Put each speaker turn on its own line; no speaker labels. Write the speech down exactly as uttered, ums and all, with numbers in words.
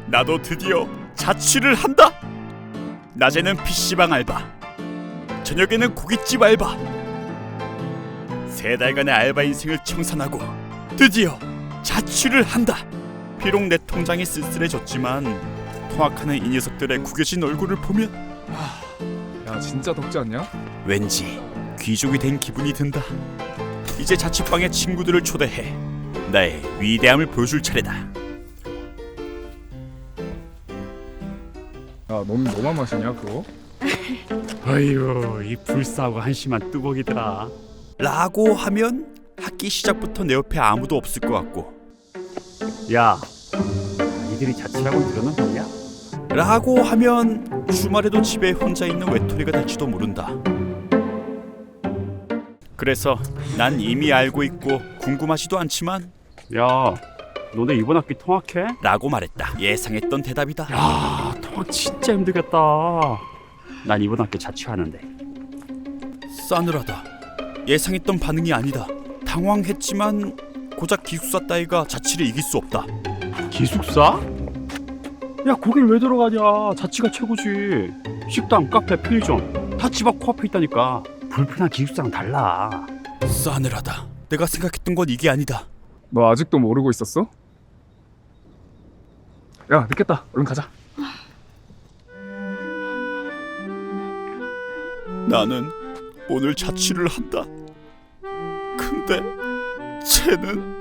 나도 드디어 자취를 한다. 낮에는 피시방 알바, 저녁에는 고깃집 알바. 세 달간의 알바 인생을 청산하고 드디어 자취를 한다. 비록 내 통장이 쓸쓸해졌지만 통학하는 이 녀석들의 구겨진 얼굴을 보면
야 진짜 덥지 않냐?
왠지 귀족이 된 기분이 든다. 이제 자취방에 친구들을 초대해 나의 위대함을 보여줄 차례다.
야 넌 너만 마시냐 그거?
아이고 이 불싸고 한심한 뚜벅이들아.
라고 하면 학기 시작부터 내 옆에 아무도 없을 것 같고,
야, 니들이 자취라고 들어는 거냐?
라고 하면 주말에도 집에 혼자 있는 외톨이가 될지도 모른다. 그래서 난 이미 알고 있고 궁금하지도 않지만
야, 너네 이번 학기 통학해?
라고 말했다. 예상했던 대답이다.
야, 통학 진짜 힘들겠다. 난 이번 학기 자취하는데.
싸늘하다. 예상했던 반응이 아니다. 당황했지만 고작 기숙사 따위가 자취를 이길 수 없다.
기숙사? 야, 거길 왜 들어가냐? 자취가 최고지. 식당, 카페, 편의점 다 집 앞 코앞에 있다니까. 불편한 기숙사랑 달라.
싸늘하다. 내가 생각했던 건 이게 아니다.
너 아직도 모르고 있었어? 야 늦겠다 얼른 가자.
나는 오늘 자취를 한다. 근데 쟤는